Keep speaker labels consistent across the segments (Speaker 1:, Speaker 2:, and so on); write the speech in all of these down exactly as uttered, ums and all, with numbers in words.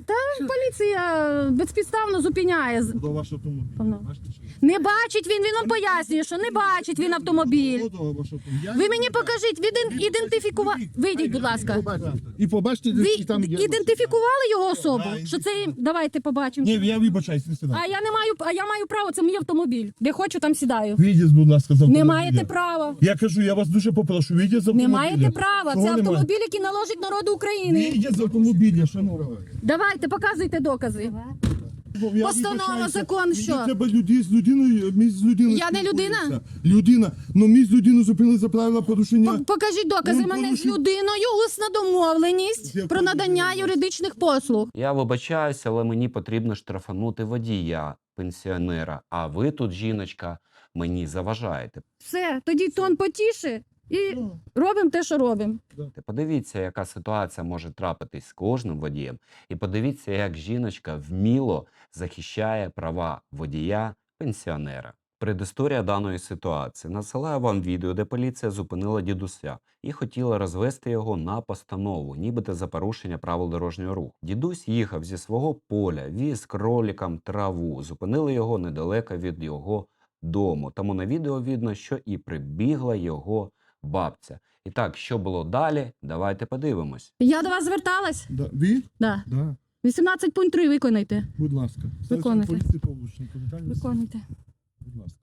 Speaker 1: Та поліція безпідставно зупиняє.
Speaker 2: До вашого автомобіля.
Speaker 1: Певно.
Speaker 2: Бачите, що?
Speaker 1: Не бачить він, він вам пояснює, що не бачить він автомобіль.
Speaker 2: До вашого автомобіля.
Speaker 1: Ви мені покажіть, він ідентифікував. Вийдіть, будь ласка.
Speaker 2: І побачите,
Speaker 1: Ви
Speaker 2: де там є.
Speaker 1: ідентифікували його особу? Що це, давайте побачимо.
Speaker 2: Ні, я вибачаюсь, не сідаю.
Speaker 1: А я не маю, а я маю право, це мій автомобіль. Де хочу, там сідаю.
Speaker 2: Вийдіть, будь ласка, з автомобіля.
Speaker 1: Не маєте права.
Speaker 2: Я кажу, я вас дуже попрошу, вийдіть з автомобіля.
Speaker 1: Не маєте права.
Speaker 2: Чого
Speaker 1: Це
Speaker 2: немає?
Speaker 1: автомобіль, який належить народу України.
Speaker 2: Вийдіть з автомобіля, шановні.
Speaker 1: Давайте, показуйте докази.
Speaker 2: Я
Speaker 1: Постанова,
Speaker 2: вибачаюся.
Speaker 1: закон,
Speaker 2: Мені
Speaker 1: що?
Speaker 2: треба людей з людиною, мій з людиною.
Speaker 1: Я не людина?
Speaker 2: спілкуюся. Людина. Ну мій з людиною зупинили за правила порушення.
Speaker 1: Пок- Покажіть докази
Speaker 2: Він
Speaker 1: мене з
Speaker 2: порушив-
Speaker 1: людиною, усна домовленість про надання юридичних послуг.
Speaker 3: Я вибачаюся, але мені потрібно штрафанути водія, пенсіонера. А ви тут, жіночка, мені заважаєте.
Speaker 1: Все, тоді тон потіше і робимо те, що робимо.
Speaker 3: Ти подивіться, яка ситуація може трапитись з кожним водієм. І подивіться, як жіночка вміло захищає права водія, пенсіонера. Предісторія даної ситуації. Насилаю вам відео, де поліція зупинила дідуся і хотіла розвести його на постанову, нібито за порушення правил дорожнього руху. Дідусь їхав зі свого поля, віз кролікам траву. Зупинили його недалеко від його дому. Тому на відео видно, що і прибігла його бабця. І так, що було далі, давайте подивимось.
Speaker 1: Я до вас зверталась?
Speaker 2: Да. Ви?
Speaker 1: Да.
Speaker 2: Да.
Speaker 1: вісімнадцять пункт три виконайте.
Speaker 2: Будь ласка.
Speaker 1: Виконуйте.
Speaker 2: Поліції Павлушенко, Віталій Васильович.
Speaker 1: Виконуйте.
Speaker 2: Будь ласка.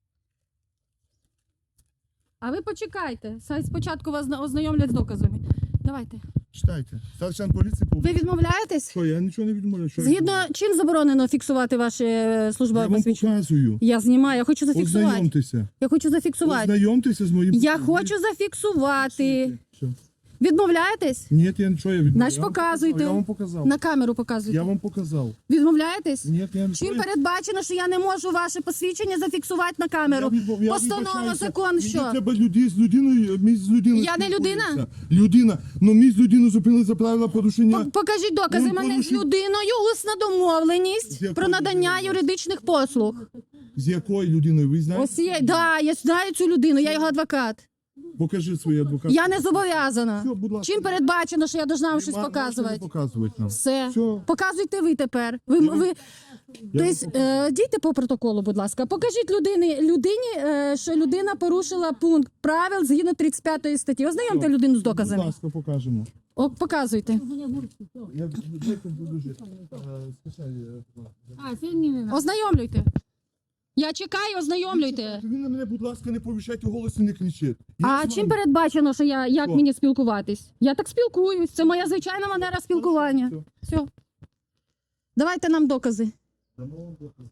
Speaker 1: А ви почекайте. Сай спочатку вас зна- ознайомлять з доказами. Давайте.
Speaker 2: Читайте. Старший поліції
Speaker 1: Ви
Speaker 2: Павлушенко.
Speaker 1: відмовляєтесь?
Speaker 2: Що, я нічого не відмовляю. Що я
Speaker 1: Згідно
Speaker 2: відмовляю?
Speaker 1: чим заборонено фіксувати ваше е, службове
Speaker 2: Я вам
Speaker 1: посвідчення?
Speaker 2: показую.
Speaker 1: Я знімаю, я хочу зафіксувати.
Speaker 2: Ознайомтеся.
Speaker 1: Я хочу зафіксувати.
Speaker 2: Ознайомтеся з моїм...
Speaker 1: Я хочу зафіксувати.
Speaker 2: Що?
Speaker 1: Відмовляєтесь?
Speaker 2: Ні, я нічого я відмовляю.
Speaker 1: Значить,
Speaker 2: Я вам
Speaker 1: показуйте.
Speaker 2: показав, Я вам показав.
Speaker 1: На камеру показуйте.
Speaker 2: Я вам показав.
Speaker 1: Відмовляєтесь?
Speaker 2: Ні, я не
Speaker 1: Чим передбачено, що я не можу ваше посвідчення зафіксувати на камеру?
Speaker 2: Я відмов- я
Speaker 1: Постанова,
Speaker 2: вибачаюся.
Speaker 1: закон,
Speaker 2: Мені
Speaker 1: що?
Speaker 2: треба людей з людиною, мій з людиною
Speaker 1: Я не людина?
Speaker 2: спілкуюся. Людина. Ну, мій з людиною зупинили за правила порушення.
Speaker 1: Пок- Покажіть докази
Speaker 2: Він
Speaker 1: мене з
Speaker 2: порушив-
Speaker 1: людиною, усна
Speaker 2: З
Speaker 1: домовленість
Speaker 2: якою
Speaker 1: про надання
Speaker 2: людиною?
Speaker 1: юридичних послуг.
Speaker 2: З якою людиною, ви знаєте?
Speaker 1: Ось є, да, я знаю цю людину, я його адвокат.
Speaker 2: Покажи свій адвокат.
Speaker 1: Я не зобов'язана.
Speaker 2: Все, будь ласка.
Speaker 1: Чим передбачено, що я должна вам
Speaker 2: Ви
Speaker 1: щось
Speaker 2: ма- можете не
Speaker 1: показувати?
Speaker 2: показувати нам.
Speaker 1: Все.
Speaker 2: Все.
Speaker 1: Показуйте ви тепер. Ви,
Speaker 2: Я вам-
Speaker 1: ви...
Speaker 2: Я
Speaker 1: Тобто, е, дійте по протоколу, будь ласка. Покажіть людині, людині, е, що людина порушила пункт правил згідно тридцять п'ятої статті. Ознайомте людину з
Speaker 2: Будь
Speaker 1: доказами.
Speaker 2: ласка, покажемо.
Speaker 1: О, показуйте.
Speaker 2: Я дайте буду жити. Е, скажи, е,
Speaker 1: Ознайомлюйте. Я чекаю, ознайомлюйте.
Speaker 2: Ви на мене, будь ласка, не повищайте голос і не кричіть. Я
Speaker 1: А
Speaker 2: з
Speaker 1: чим
Speaker 2: вами.
Speaker 1: передбачено, що я як
Speaker 2: Що?
Speaker 1: мені спілкуватись? Я так спілкуюсь. Це моя звичайна манера спілкування.
Speaker 2: Все.
Speaker 1: Все. Давайте нам докази.
Speaker 2: Дамо вам доказ.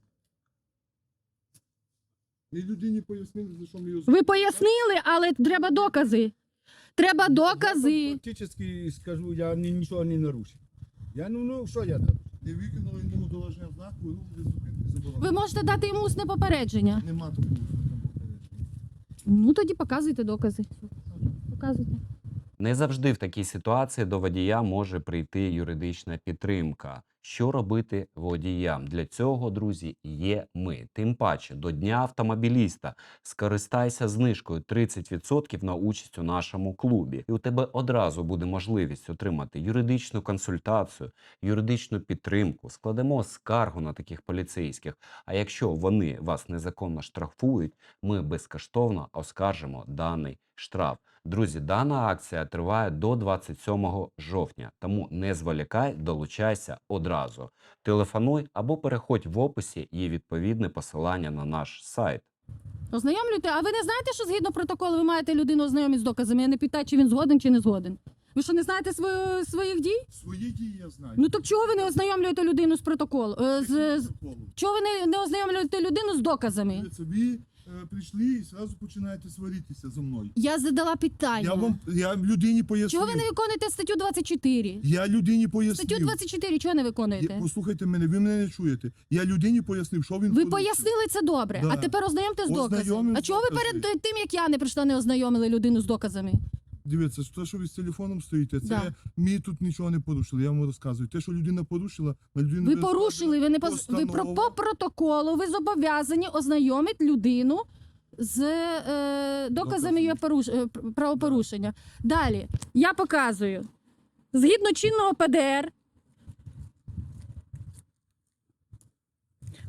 Speaker 2: І людині пояснили, за що ми його...
Speaker 1: Ви пояснили, але треба докази. Треба докази.
Speaker 4: Фактически скажу, я ні- нічого не нарушив. Я ну, ну що я нарушив?
Speaker 2: Не виконали йому доложення знаку, і рух без зупинки заборонено.
Speaker 1: Ви можете дати йому усне попередження.
Speaker 2: Нема такого там попередження.
Speaker 1: Ну тоді показуйте докази. Показуйте.
Speaker 3: Не завжди в такій ситуації до водія може прийти юридична підтримка. Що робити водіям? Для цього, друзі, є ми. Тим паче, до Дня автомобіліста скористайся знижкою тридцять відсотків на участь у нашому клубі. І у тебе одразу буде можливість отримати юридичну консультацію, юридичну підтримку. Складемо скаргу на таких поліцейських. А якщо вони вас незаконно штрафують, ми безкоштовно оскаржимо даний штраф. Друзі, дана акція триває до двадцять сьомого жовтня, тому не зволікай, долучайся одразу. Телефонуй або переходь в описі, є відповідне посилання на наш сайт.
Speaker 1: Ознайомлюйте. А ви не знаєте, що згідно протоколу ви маєте людину ознайомити з доказами? Я не питаю, чи він згоден, чи не згоден. Ви що, не знаєте свою, своїх дій?
Speaker 2: Свої дії я знаю.
Speaker 1: Ну так чого ви не ознайомлюєте людину з протоколу? Е, з, з,
Speaker 2: Протоколу.
Speaker 1: чого ви не, не ознайомлюєте людину з доказами?
Speaker 2: Дивіться, ви е, прийшли і одразу починаєте сваритися зі мною.
Speaker 1: Я задала питання.
Speaker 2: Я вам, я людині пояснив.
Speaker 1: Чого ви не виконуєте статтю двадцять чотири?
Speaker 2: Я людині пояснив.
Speaker 1: Статтю двадцять чотири чого не
Speaker 2: Я-
Speaker 1: виконуєте?
Speaker 2: Послухайте мене, ви мене не чуєте. Я людині пояснив, що він
Speaker 1: Ви
Speaker 2: порушив.
Speaker 1: пояснили це добре,
Speaker 2: Да.
Speaker 1: а тепер ознайомте з доказами.
Speaker 2: Ознайомив
Speaker 1: А
Speaker 2: з
Speaker 1: чого ви
Speaker 2: доказами.
Speaker 1: перед тим, як я не прийшла, не ознайомили людину з доказами?
Speaker 2: Дивіться, те, що ви з телефоном стоїте, це
Speaker 1: Да.
Speaker 2: ми тут нічого не порушили. Я вам розказую. Те, що людина порушила, на людину
Speaker 1: Ви
Speaker 2: не
Speaker 1: порушили, ви не поз... ви про
Speaker 2: постанова.
Speaker 1: по протоколу, ви зобов'язані ознайомити людину з е, доказами
Speaker 2: Доказами.
Speaker 1: її поруш... е, пр- правопорушення. Далі я показую. Згідно чинного П Д Р,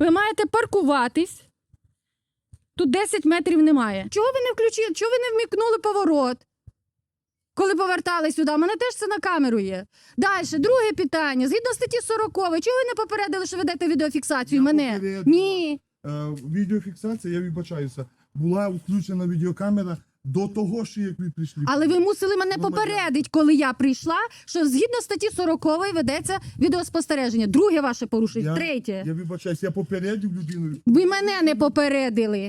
Speaker 1: Ви маєте паркуватись. Тут десять метрів немає. Чого ви не включили? Чого ви не вмикнули поворот? Коли повертали сюди, у мене теж це на камеру є. Далі, друге питання. Згідно статті сорок, чого ви не попередили, що ведете відеофіксацію
Speaker 2: Я
Speaker 1: мене?
Speaker 2: попередила.
Speaker 1: Ні.
Speaker 2: Е, відеофіксація, я вибачаюся, була включена відеокамера до того, що як ви прийшли.
Speaker 1: Але ви мусили мене
Speaker 2: Громадян.
Speaker 1: попередити, коли я прийшла, що згідно статті сорок ведеться відеоспостереження. Друге ваше порушення.
Speaker 2: Я-
Speaker 1: Третє.
Speaker 2: Я вибачаюся, я попередив людину.
Speaker 1: Ви мене не попередили.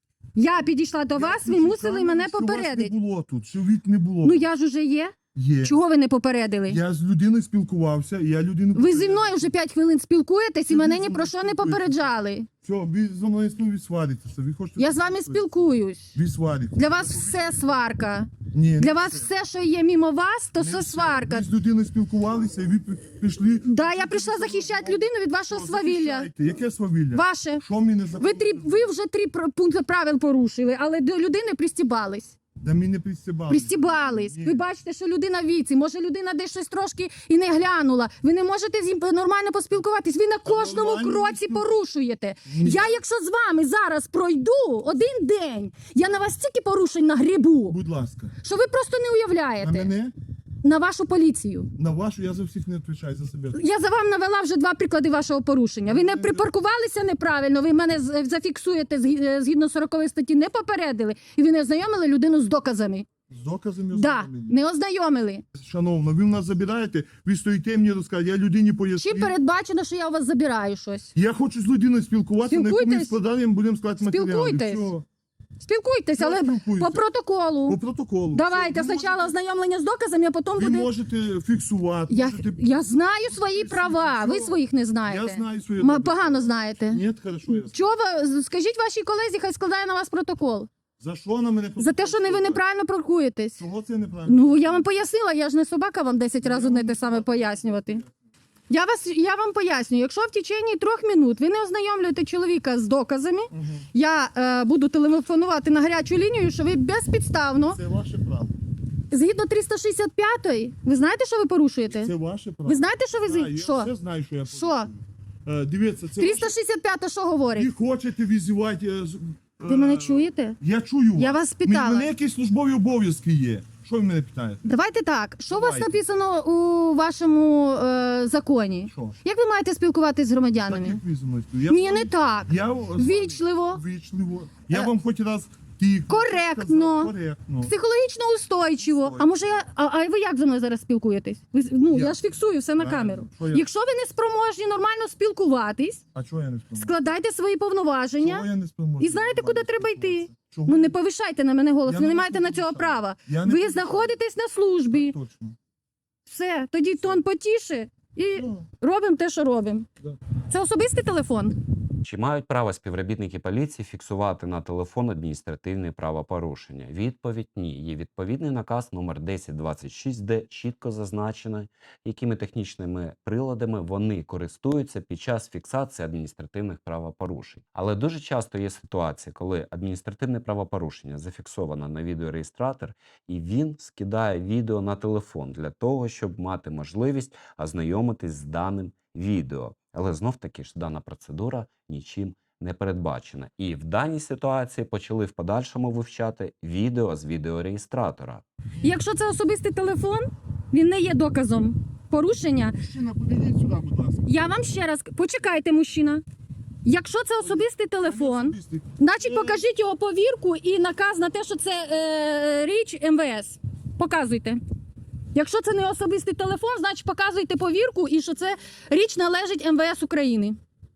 Speaker 1: Я підійшла до вас, ви
Speaker 2: включив
Speaker 1: мусили
Speaker 2: камеру,
Speaker 1: мене
Speaker 2: що вас
Speaker 1: попередити.
Speaker 2: не було тут, що від не було.
Speaker 1: Ну я ж уже є.
Speaker 2: Є.
Speaker 1: Чого ви не попередили?
Speaker 2: Я з людиною спілкувався, і я людину...
Speaker 1: Ви зі мною вже п'ять хвилин спілкуєтесь і
Speaker 2: Це
Speaker 1: мене
Speaker 2: ви
Speaker 1: ні
Speaker 2: зі
Speaker 1: про
Speaker 2: мною
Speaker 1: що не
Speaker 2: спілкуєтесь.
Speaker 1: попереджали.
Speaker 2: Все, ви зі мною знову сваритеся. Ви хочете...
Speaker 1: Я з вами спілкуюсь.
Speaker 2: Ви сваритеся.
Speaker 1: Для вас все сварка.
Speaker 2: Ні,
Speaker 1: Для
Speaker 2: не
Speaker 1: вас
Speaker 2: все.
Speaker 1: все, що є мимо вас, то
Speaker 2: Не
Speaker 1: все
Speaker 2: все.
Speaker 1: сварка.
Speaker 2: Ви з людиною спілкувалися, і ви пі- пішли...
Speaker 1: Да, я прийшла захищати людину від вашого
Speaker 2: Що,
Speaker 1: свавілля.
Speaker 2: захищайте? Яке свавілля?
Speaker 1: Ваше.
Speaker 2: Що мені за...
Speaker 1: Ви, три, ви вже три пр- пункти правил порушили, але до людини пристібались.
Speaker 2: Да ми не пристібали.
Speaker 1: Пристібались.
Speaker 2: Ні.
Speaker 1: Ви бачите, що людина в віці. Може, людина десь щось трошки і не глянула. Ви не можете з ним нормально поспілкуватись. Ви на кожному
Speaker 2: нормально
Speaker 1: кроці
Speaker 2: спіл-
Speaker 1: порушуєте.
Speaker 2: Ні.
Speaker 1: Я, якщо з вами зараз пройду один день, я на вас стільки порушень нагрібу,
Speaker 2: Будь ласка.
Speaker 1: що ви просто не
Speaker 2: На
Speaker 1: уявляєте.
Speaker 2: мене,
Speaker 1: На вашу поліцію.
Speaker 2: на вашу, я за всіх не відповідаю за себе.
Speaker 1: Я за вам навела вже два приклади вашого порушення. Ви не припаркувалися неправильно, ви мене з- зафіксуєте згі- згідно сорокової статті, не попередили, і ви не ознайомили людину з доказами.
Speaker 2: З доказами
Speaker 1: Да,
Speaker 2: ознайомлені.
Speaker 1: не ознайомили.
Speaker 2: Шановна, ви в нас забираєте, ви стоїте мені розказуєте, я людині
Speaker 1: Чи
Speaker 2: поясню.
Speaker 1: передбачено, що я у вас забираю щось?
Speaker 2: Я хочу з людиною спілкуватися, на яку ми
Speaker 1: Спілкуйтесь.
Speaker 2: складаємо, будемо складати матеріали.
Speaker 1: Спілкуйтесь.
Speaker 2: Все.
Speaker 1: Спілкуйтесь,
Speaker 2: Я
Speaker 1: але
Speaker 2: спілкуюся.
Speaker 1: по протоколу.
Speaker 2: По протоколу.
Speaker 1: Давайте
Speaker 2: Все. Ви
Speaker 1: спочатку
Speaker 2: можете-
Speaker 1: ознайомлення з доказами, а потім
Speaker 2: Ви
Speaker 1: буде.
Speaker 2: можете фіксувати.
Speaker 1: Я,
Speaker 2: можете...
Speaker 1: я знаю свої права, ви своїх не знаєте.
Speaker 2: Я знаю свої
Speaker 1: Ма-
Speaker 2: права.
Speaker 1: Погано знаєте.
Speaker 2: Ні, хорошо, я знаю.
Speaker 1: Чого ви скажіть вашій колезі, хай складає на вас протокол.
Speaker 2: За що на мене
Speaker 1: За те, що не ви неправильно паркуєтесь.
Speaker 2: Чого це неправильно?
Speaker 1: Ну, я вам пояснила, я ж не собака вам десять разів одне те саме пояснювати. Я, вас, я вам пояснюю, якщо в течение трьох минут ви не ознайомлюєте чоловіка з доказами,
Speaker 2: Мгм.
Speaker 1: я е, буду телефонувати на гарячу лінію, що ви безпідставно,
Speaker 2: Це ваше право.
Speaker 1: згідно триста шістдесят п'ятої, ви знаєте, що ви порушуєте?
Speaker 2: Це ваше право.
Speaker 1: Ви знаєте, що ви...
Speaker 2: Да,
Speaker 1: зі-
Speaker 2: я
Speaker 1: Що?
Speaker 2: все знаю, що я
Speaker 1: Що?
Speaker 2: порушую. Е, Дивіться, це
Speaker 1: триста
Speaker 2: ваше...
Speaker 1: шістдесят п'ята що
Speaker 2: Ви
Speaker 1: говорить?
Speaker 2: хочете візивати... е, з-
Speaker 1: Ви
Speaker 2: е,
Speaker 1: мене чуєте?
Speaker 2: Я чую
Speaker 1: Я вас
Speaker 2: Мені-
Speaker 1: питала.
Speaker 2: Мене якісь службові обов'язки є. Що ви мене питаєте?
Speaker 1: Давайте так, що у вас
Speaker 2: Давайте.
Speaker 1: написано у вашому е, законі?
Speaker 2: Що?
Speaker 1: Як ви маєте спілкуватися з
Speaker 2: Так,
Speaker 1: громадянами?
Speaker 2: як ви зі мною спілкуєтесь? Я
Speaker 1: Ні,
Speaker 2: з вами-
Speaker 1: не так.
Speaker 2: Я з вами
Speaker 1: Вічливо.
Speaker 2: Вічливо. Я
Speaker 1: Е,
Speaker 2: вам хоч раз тихо
Speaker 1: коректно.
Speaker 2: сказав, коректно.
Speaker 1: Психологічно устойчиво. А може я. А, а ви як зі мною зараз спілкуєтесь? Ви з- ну я,
Speaker 2: Я.
Speaker 1: ж фіксую все на
Speaker 2: Правильно.
Speaker 1: камеру.
Speaker 2: Що я?
Speaker 1: Якщо ви не спроможні нормально спілкуватись,
Speaker 2: А чого я не спомогу?
Speaker 1: складайте свої
Speaker 2: Чого
Speaker 1: повноваження
Speaker 2: я не спомогу?
Speaker 1: і знаєте, куди треба йти.
Speaker 2: Чого?
Speaker 1: Ну не повишайте на мене голос.
Speaker 2: Я
Speaker 1: Ви не
Speaker 2: на вас
Speaker 1: маєте
Speaker 2: не
Speaker 1: на цього
Speaker 2: повишаю.
Speaker 1: права.
Speaker 2: Я не
Speaker 1: Ви
Speaker 2: повишаю.
Speaker 1: знаходитесь на службі.
Speaker 2: Так точно.
Speaker 1: Все, тоді тон потіше і
Speaker 2: Ну,
Speaker 1: робимо те, що робимо.
Speaker 2: Да.
Speaker 1: Це особистий телефон.
Speaker 3: Чи мають право співробітники поліції фіксувати на телефон адміністративні правопорушення? Відповідь – ні. Є відповідний наказ номер десять двадцять шість, де чітко зазначено, якими технічними приладами вони користуються під час фіксації адміністративних правопорушень. Але дуже часто є ситуація, коли адміністративне правопорушення зафіксовано на відеореєстратор, і він скидає відео на телефон для того, щоб мати можливість ознайомитись з даним відео. Але знов-таки ж дана процедура нічим не передбачена. І в даній ситуації почали в подальшому вивчати відео з відеореєстратора.
Speaker 1: І якщо це особистий телефон, він не є доказом порушення.
Speaker 2: Мужчина, подивіть сюди, будь ласка.
Speaker 1: Я вам ще раз почекайте, мужчина. Якщо це особистий телефон,
Speaker 2: Особистий.
Speaker 1: значить покажіть його повірку і наказ на те, що це е, річ ем ве ес. Показуйте. Якщо це не особистий телефон, значить показуйте повірку і що це річ належить ем ве ес України.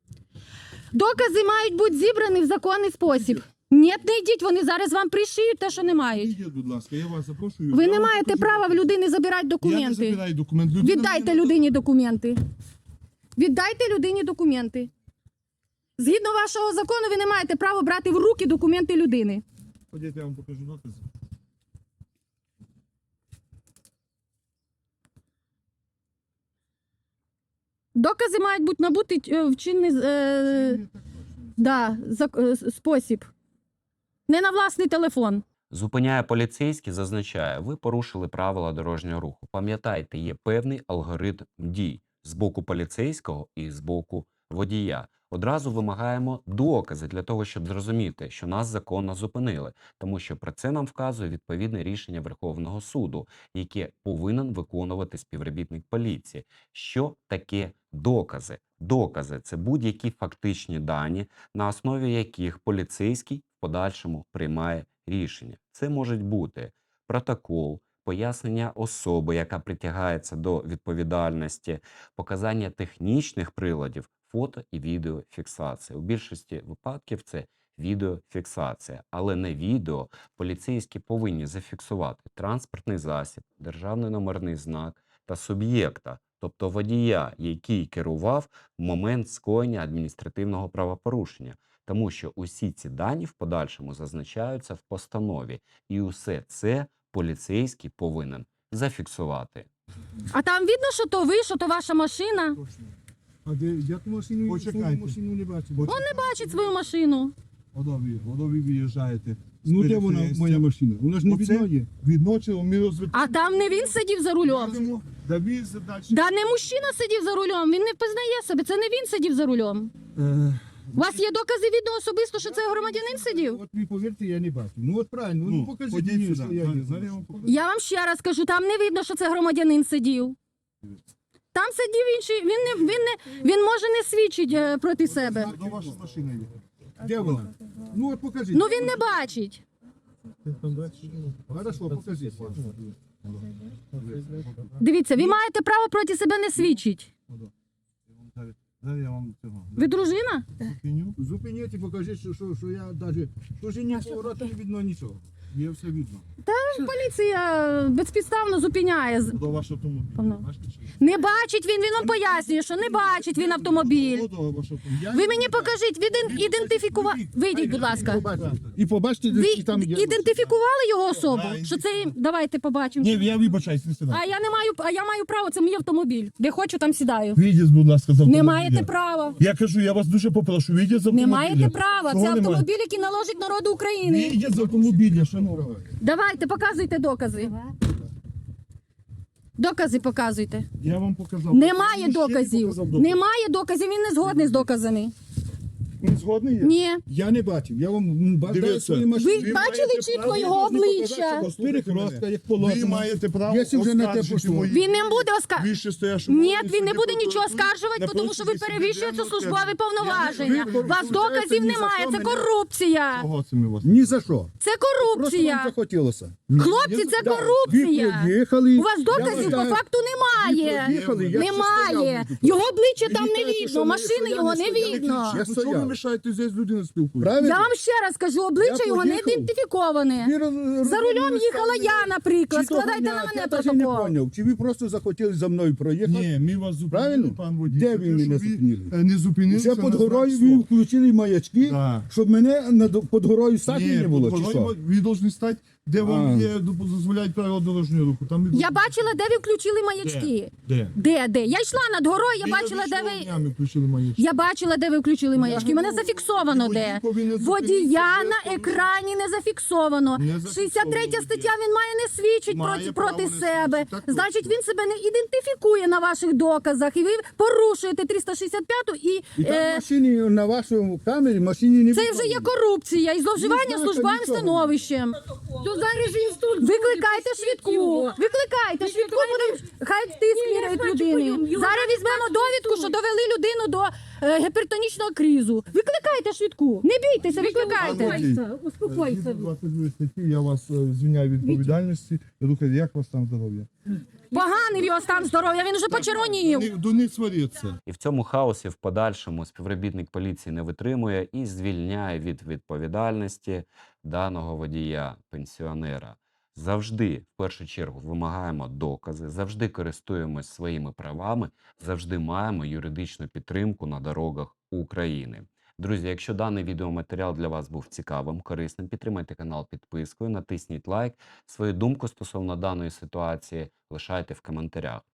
Speaker 1: Докази мають бути зібрані в законний спосіб. Ні, не йдіть, вони зараз вам пришиють те, що не мають.
Speaker 2: Ідіть, будь ласка, я вас запрошую.
Speaker 1: Ви
Speaker 2: Я
Speaker 1: не
Speaker 2: вам
Speaker 1: маєте
Speaker 2: покажу
Speaker 1: права в
Speaker 2: докази.
Speaker 1: людини забирати
Speaker 2: Я не
Speaker 1: документи.
Speaker 2: забираю документ. Людина
Speaker 1: Віддайте
Speaker 2: мені
Speaker 1: людині документи. Віддайте людині документи. Згідно вашого закону, ви не маєте права брати в руки документи людини.
Speaker 2: Ходіть, я вам покажу докази.
Speaker 1: Докази мають бути набути е, в чинний е,
Speaker 2: Ні, так точно.
Speaker 1: да, зак- е, с- спосіб. Не на власний телефон.
Speaker 3: Зупиняє поліцейський, зазначає, ви порушили правила дорожнього руху. Пам'ятайте, є певний алгоритм дій з боку поліцейського і з боку водія. Одразу вимагаємо докази для того, щоб зрозуміти, що нас законно зупинили, тому що про це нам вказує відповідне рішення Верховного суду, яке повинен виконувати співробітник поліції. Що таке докази? Докази – це будь-які фактичні дані, на основі яких поліцейський в подальшому приймає рішення. Це можуть бути протокол, пояснення особи, яка притягається до відповідальності, показання технічних приладів, фото і відеофіксація. У більшості випадків це відеофіксація, але не відео. Поліцейські повинні зафіксувати транспортний засіб, державний номерний знак та суб'єкта, тобто водія, який керував в момент скоєння адміністративного правопорушення. Тому що усі ці дані в подальшому зазначаються в постанові. І усе це поліцейський повинен зафіксувати.
Speaker 1: А там видно, що то ви, що то ваша машина.
Speaker 4: А де, я ту машину,
Speaker 2: Почекайте.
Speaker 4: свою машину не бачу.
Speaker 2: Бо-
Speaker 1: Бачить свою машину.
Speaker 2: Ото ви, ото ви виїжджаєте. з
Speaker 4: Ну де вона,
Speaker 2: перехрестя.
Speaker 4: моя машина? Вона ж не
Speaker 2: Оце
Speaker 4: видно є.
Speaker 2: Відночили, ми розвитали.
Speaker 1: А там не він сидів за рулем.
Speaker 2: Да ви задачі.
Speaker 1: Да не мужчина сидів за рулем, він не впізнає себе, це не він сидів за рулем.
Speaker 4: Е,
Speaker 1: У вас є докази відео особисто, що це громадянин сидів?
Speaker 4: От ви повірте, я не бачу. Ну от правильно, ну,
Speaker 2: Ну,
Speaker 4: покажіть
Speaker 2: ходіть
Speaker 4: мені,
Speaker 2: сюди.
Speaker 4: що я
Speaker 2: Зараз-
Speaker 4: не
Speaker 2: зараз я
Speaker 4: знаю.
Speaker 2: вам покажу.
Speaker 1: Я вам ще раз кажу, там не видно, що це громадянин сидів. Там сидів інший, він не, він не, він може не свідчить е, проти себе.
Speaker 2: До вашої машини є.
Speaker 4: Де вона? Ну от покажіть.
Speaker 1: Ну він не бачить.
Speaker 4: Хорошо, покажіть.
Speaker 1: Дивіться, ви маєте право проти себе не свідчити.
Speaker 2: Зараз я вам цього.
Speaker 1: Ви дружина?
Speaker 2: Зупиню.
Speaker 4: Зупиніть і покажіть, що, що, що я навіть... Тож ні повороту не видно нічого.
Speaker 2: Є все видно.
Speaker 1: Поліція безпідставно зупиняє.
Speaker 2: До вашого автомобіля.
Speaker 1: Певно.
Speaker 2: Бачите, що?
Speaker 1: Не бачить він, він вам пояснює, що не бачить він автомобіль.
Speaker 2: До вашого автомобіля.
Speaker 1: Ви мені покажіть, він ідентифікував. Вийдіть, будь ласка.
Speaker 4: І побачите,
Speaker 1: Ви
Speaker 4: що там є.
Speaker 1: ідентифікували його особу?
Speaker 2: Да,
Speaker 1: Що це їм? Давайте побачимо.
Speaker 2: Ні, я вибачаюсь, не сідайте.
Speaker 1: А я не маю, а я маю право, це мій автомобіль. Де хочу, там сідаю.
Speaker 2: Вийдіть, будь ласка, з автомобіля.
Speaker 1: Не маєте права.
Speaker 2: Я кажу, я вас дуже попрошу, вийдіть з
Speaker 1: Не
Speaker 2: автомобіля.
Speaker 1: маєте права.
Speaker 2: Чого
Speaker 1: Це
Speaker 2: немає?
Speaker 1: автомобіль, який належить народу України.
Speaker 2: Вийдіть з автомобіля, шановні.
Speaker 1: Давайте, показуйте докази. Докази показуйте.
Speaker 2: Я вам показав.
Speaker 1: Немає
Speaker 2: Я ще не
Speaker 1: доказів.
Speaker 2: показав докази.
Speaker 1: Немає доказів, він не згодний з доказами.
Speaker 2: Ви згодні? є?
Speaker 1: Ні.
Speaker 4: Я не бачив. Я вам м, бажаю
Speaker 2: Дивіться.
Speaker 4: свої
Speaker 1: Ви
Speaker 4: машини.
Speaker 2: Ви
Speaker 1: бачили
Speaker 2: маєте
Speaker 1: чітко
Speaker 2: право,
Speaker 1: його
Speaker 2: я ж не
Speaker 1: обличчя?
Speaker 4: Перехрестка, як
Speaker 2: Ви
Speaker 4: положено.
Speaker 2: маєте право
Speaker 4: Якщо вже на те
Speaker 2: оскаржити
Speaker 4: пішло.
Speaker 2: мої
Speaker 1: Він не буде оскаржувати.
Speaker 2: вище стоящі
Speaker 1: Ні,
Speaker 2: вимоги
Speaker 1: він не
Speaker 2: судді
Speaker 1: буде нічого
Speaker 2: прокуратури
Speaker 1: оскаржувати,
Speaker 2: на
Speaker 1: тому що ви
Speaker 2: протязі
Speaker 1: перевищуєте
Speaker 2: судебного
Speaker 1: службові
Speaker 2: терміну.
Speaker 1: повноваження.
Speaker 4: Ви
Speaker 1: У вас
Speaker 4: порушуєте
Speaker 1: доказів
Speaker 4: ні
Speaker 1: немає,
Speaker 4: закон,
Speaker 1: це
Speaker 4: ні-
Speaker 1: корупція.
Speaker 2: Кого це ми вас?
Speaker 4: Ні за що.
Speaker 1: Це
Speaker 4: Просто вам
Speaker 1: корупція.
Speaker 4: захотілося.
Speaker 1: Хлопці, це
Speaker 4: Да.
Speaker 1: корупція.
Speaker 4: Ви поїхали.
Speaker 1: У вас доказів по факту немає.
Speaker 4: Поїхали, я
Speaker 1: Немає.
Speaker 4: ще стояв.
Speaker 1: Його обличчя там не
Speaker 4: кажете,
Speaker 1: видно,
Speaker 4: що ми-
Speaker 1: машини
Speaker 4: що я
Speaker 1: його
Speaker 4: не
Speaker 1: не
Speaker 4: стояв.
Speaker 1: видно.
Speaker 4: Я
Speaker 2: Ну, чого ви
Speaker 4: стояв.
Speaker 2: мішаєте, здесь людина спілкується?
Speaker 4: Правильно?
Speaker 1: Я вам ще раз кажу, обличчя
Speaker 4: Я
Speaker 1: його не
Speaker 4: поїхав.
Speaker 1: ідентифіковане.
Speaker 4: Ви роз-
Speaker 1: За рулем
Speaker 4: розуміли,
Speaker 1: їхала
Speaker 4: там-
Speaker 1: я, наприклад.
Speaker 4: Чи того
Speaker 1: Складайте
Speaker 4: дня,
Speaker 1: на мене
Speaker 4: я навіть не
Speaker 1: протокол.
Speaker 4: поняв, чи ви просто захотіли за мною проїхати?
Speaker 2: Ні, ми вас зупинили,
Speaker 4: Правильно?
Speaker 2: пан водій.
Speaker 4: Де
Speaker 2: Це
Speaker 4: ви
Speaker 2: те,
Speaker 4: мене
Speaker 2: що ви,
Speaker 4: зупинили?
Speaker 2: е, Не зупинилися
Speaker 4: Вже під
Speaker 2: на
Speaker 4: горою
Speaker 2: знак
Speaker 4: ви
Speaker 2: «Стоп».
Speaker 4: включили маячки,
Speaker 2: Да.
Speaker 4: щоб мене на, під горою стати
Speaker 2: Ні,
Speaker 4: не було,
Speaker 2: під
Speaker 4: чи
Speaker 2: горою
Speaker 4: що?
Speaker 2: ви повинні стати, де вам
Speaker 4: А.
Speaker 2: є, дозволяють правила дорожнього руху. Там і-
Speaker 1: Я бачила, де ви включили маячки.
Speaker 2: Де?
Speaker 1: Де, де? Я йшла над горою, я
Speaker 2: Ви
Speaker 1: бачила, де
Speaker 2: навіщо
Speaker 1: ви.
Speaker 2: днями включили маячки?
Speaker 1: Я бачила, де ви включили маячки. Мене зафіксовано
Speaker 2: Водій
Speaker 1: де.
Speaker 2: повинен зупинитися,
Speaker 1: Водія
Speaker 2: де
Speaker 1: на
Speaker 2: повинен-
Speaker 1: екрані не зафіксовано.
Speaker 2: Не зафіксовано
Speaker 1: шістдесят третя
Speaker 2: водія.
Speaker 1: стаття, він має не свідчить
Speaker 2: Має
Speaker 1: проти,
Speaker 2: право
Speaker 1: проти
Speaker 2: не
Speaker 1: себе.
Speaker 2: свідчити, так
Speaker 1: Значить,
Speaker 2: точно.
Speaker 1: він себе не ідентифікує на ваших доказах. І ви порушуєте триста шістдесят п'яту і,
Speaker 4: І там в
Speaker 1: е,
Speaker 4: машині, на вашому камері, машині не
Speaker 1: це
Speaker 4: видно
Speaker 1: вже є
Speaker 4: було.
Speaker 1: корупція і зловживання
Speaker 4: знаєте,
Speaker 1: службовим
Speaker 4: нічого.
Speaker 1: становищем. Викликайте швидку. Викликайте швидку, будемо хай тиск міряють людини. Зараз візьмемо довідку, що довели людину до е, гіпертонічного кризу. Викликайте швидку. Не бійтеся, викликайте.
Speaker 2: Успокойся,
Speaker 5: успокойся.
Speaker 2: Згідно двадцять другої статті, я вас е, звільняю від відповідальності. Рухайте, як у вас там здоров'я?
Speaker 1: Поганий в його стан здоров'я, він вже почервонів.
Speaker 2: Не- До них сваріться.
Speaker 3: І в цьому хаосі в подальшому співробітник поліції не витримує і звільняє від відповідальності даного водія, пенсіонера. Завжди, в першу чергу, вимагаємо докази, завжди користуємось своїми правами, завжди маємо юридичну підтримку на дорогах України. Друзі, якщо даний відеоматеріал для вас був цікавим, корисним, підтримайте канал підпискою, натисніть лайк. Свою думку стосовно даної ситуації лишайте в коментарях.